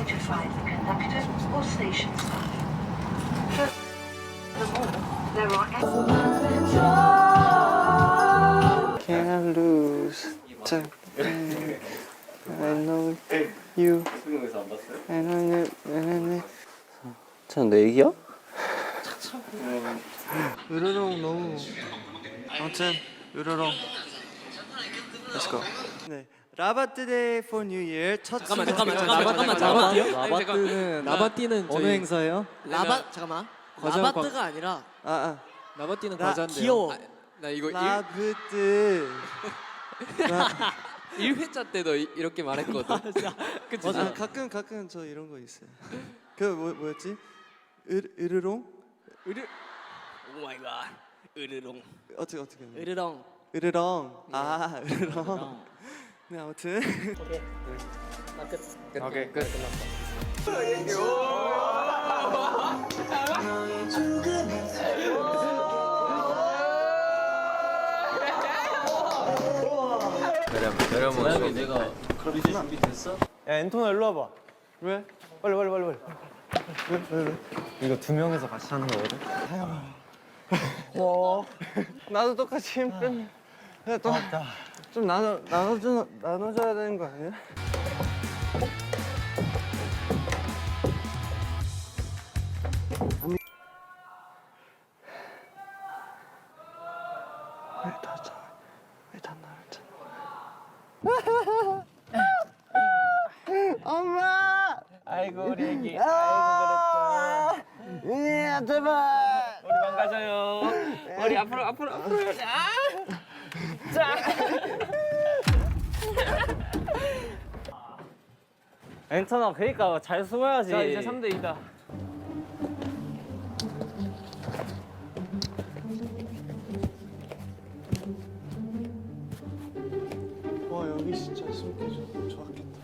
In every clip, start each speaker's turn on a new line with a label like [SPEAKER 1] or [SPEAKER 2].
[SPEAKER 1] notified the conductor or station staff. Furthermore, there are
[SPEAKER 2] Can't lose time. I know you. I know you. 참, 내 얘기야? 으르렁 너무. 아무튼 으르렁. Let's go. 네, 라바트 데이 for New Year 첫.
[SPEAKER 3] 잠깐만. 라바띠는
[SPEAKER 2] 어느 행사예요?
[SPEAKER 3] 잠깐만.
[SPEAKER 2] 과자
[SPEAKER 3] 라바트가 아니라
[SPEAKER 2] 라바띠는
[SPEAKER 3] 과자인데요. 귀여워.
[SPEAKER 4] 나 이거
[SPEAKER 2] 라브트.
[SPEAKER 4] 1회차 때도 이렇게 말했거든. 그치?
[SPEAKER 2] 맞아. 가끔 저 이런 거 있어요. 그 뭐였지? 으르렁?
[SPEAKER 3] 오 마이 갓. 으르렁.
[SPEAKER 2] 어떻게 했나요?
[SPEAKER 3] 으르렁.
[SPEAKER 2] 으르렁. 아, 으르렁. 네, 아무튼.
[SPEAKER 4] 오케이 끝. 내려모.
[SPEAKER 5] 내가 그럼 이제 준비됐어? 야 엔토나 일로 와봐.
[SPEAKER 2] 왜?
[SPEAKER 5] 빨리. 왜? 이거 두 명이서 같이 하는 거거든.
[SPEAKER 2] 나도 똑같이 힘 뺀. 좀 나눠줘야 되는 거 아니야? 왜 다 나를 찾는 거야? 엄마!
[SPEAKER 5] 아이고 우리 애기.
[SPEAKER 2] 아이고 그랬죠. 제발.
[SPEAKER 5] 우리 망가져요.
[SPEAKER 4] 머리 앞으로.
[SPEAKER 5] 엔토나 그러니까 잘 숨어야지.
[SPEAKER 4] 자 이제 3대 2다.
[SPEAKER 2] 와 여기 진짜 숨기 좋았겠다.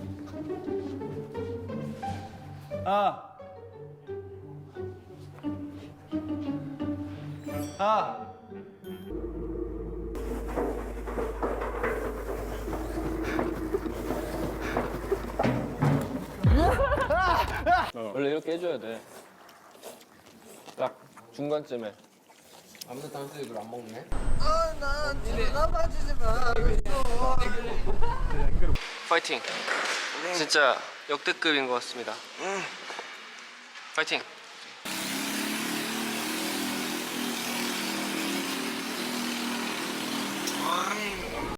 [SPEAKER 4] 원래 이렇게 해줘야 돼. 딱 중간쯤에. 아무튼 다음 주에 이걸 안 먹네.
[SPEAKER 2] 나 빠지지 마.
[SPEAKER 4] 파이팅. 진짜 역대급인 것 같습니다. 파이팅.